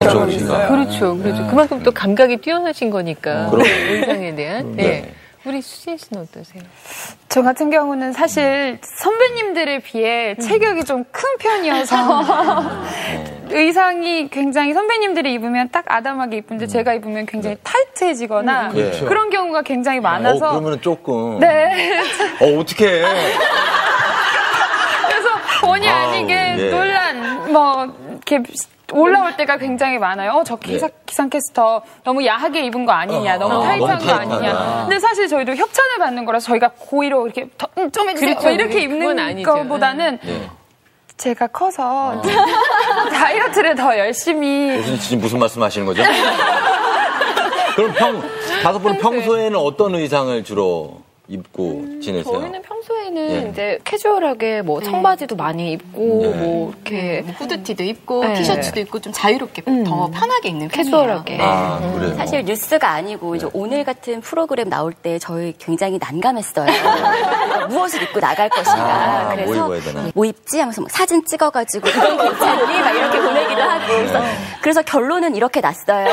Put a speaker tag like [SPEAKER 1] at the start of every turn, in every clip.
[SPEAKER 1] 그렇죠.
[SPEAKER 2] 그렇죠. 그만큼 또 감각이 뛰어나신 거니까. 의상에 대한. 네. 우리 수진 씨는 어떠세요?
[SPEAKER 3] 저 같은 경우는 사실 선배님들에 비해 체격이 좀 큰 편이어서 의상이 굉장히 선배님들이 입으면 딱 아담하게 입은데 제가 입으면 굉장히 타이트해지거나 그런 경우가 굉장히 많아서
[SPEAKER 1] 그러면 조금
[SPEAKER 3] 네.
[SPEAKER 1] 어떡해.
[SPEAKER 3] 그래서 본의 아니게 논란 이렇게 올라올 때가 굉장히 많아요. 저 기상캐스터 너무 야하게 입은 거 아니냐, 너무 타이트한 거 아니냐. 근데 사실 저희도 협찬을 받는 거라서 저희가 고의로 이렇게 좀 해주세요.
[SPEAKER 2] 그렇죠.
[SPEAKER 3] 이렇게 입는 것보다는 제가 커서 다이어트를 더 열심히.
[SPEAKER 1] 지금 무슨 말씀 하시는 거죠? 그럼 다섯 분은 평소에는 어떤 의상을 주로 입고 지내세요?
[SPEAKER 4] 저희는 평소에는 이제 캐주얼하게 뭐 청바지도 많이 입고 뭐 이렇게
[SPEAKER 5] 후드티도 입고 티셔츠도 입고 좀 자유롭게 더 편하게 입는
[SPEAKER 4] 캐주얼하게.
[SPEAKER 1] 그래요?
[SPEAKER 6] 사실 뉴스가 아니고 이제 오늘 같은 프로그램 나올 때 저희 굉장히 난감했어요. 무엇을 입고 나갈 것인가. 그래서 뭐 입지 하면서 막 사진 찍어가지고 이건 괜찮니? 막 이렇게 보내기도 하고. 그래서 결론은 이렇게 났어요.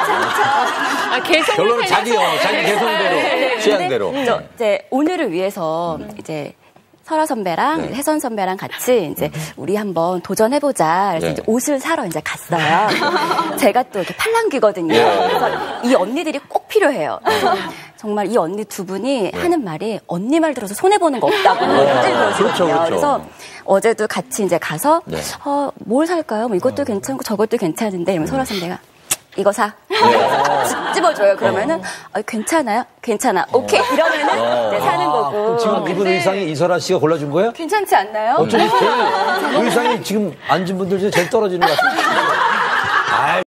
[SPEAKER 1] 결론은 자기 개성대로, 취향대로.
[SPEAKER 6] 이제 오늘을 위해서 이제 설아 선배랑 혜선 선배랑 같이 이제 우리 한번 도전해보자. 그래서 이제 옷을 사러 이제 갔어요. 제가 또 이렇게 팔랑귀거든요. 그래서 이 언니들이 꼭 필요해요. 정말 이 언니 두 분이 하는 말이 언니 말 들어서 손해보는 거 없다고 그러시거든요. 그래서 어제도 같이 이제 가서 뭘 살까요? 뭐 이것도 괜찮고 저것도 괜찮은데 이러면 설아 선배가 이거 사. 집어줘요. 그러면은 괜찮아요? 괜찮아. 오케이. 이러면은 사는 거고.
[SPEAKER 7] 지금 입은 의상이 이설아 씨가 골라준 거예요?
[SPEAKER 6] 괜찮지 않나요?
[SPEAKER 7] 어쩌면 의상이 지금 앉은 분들 중에 제일 떨어지는 것 같아요.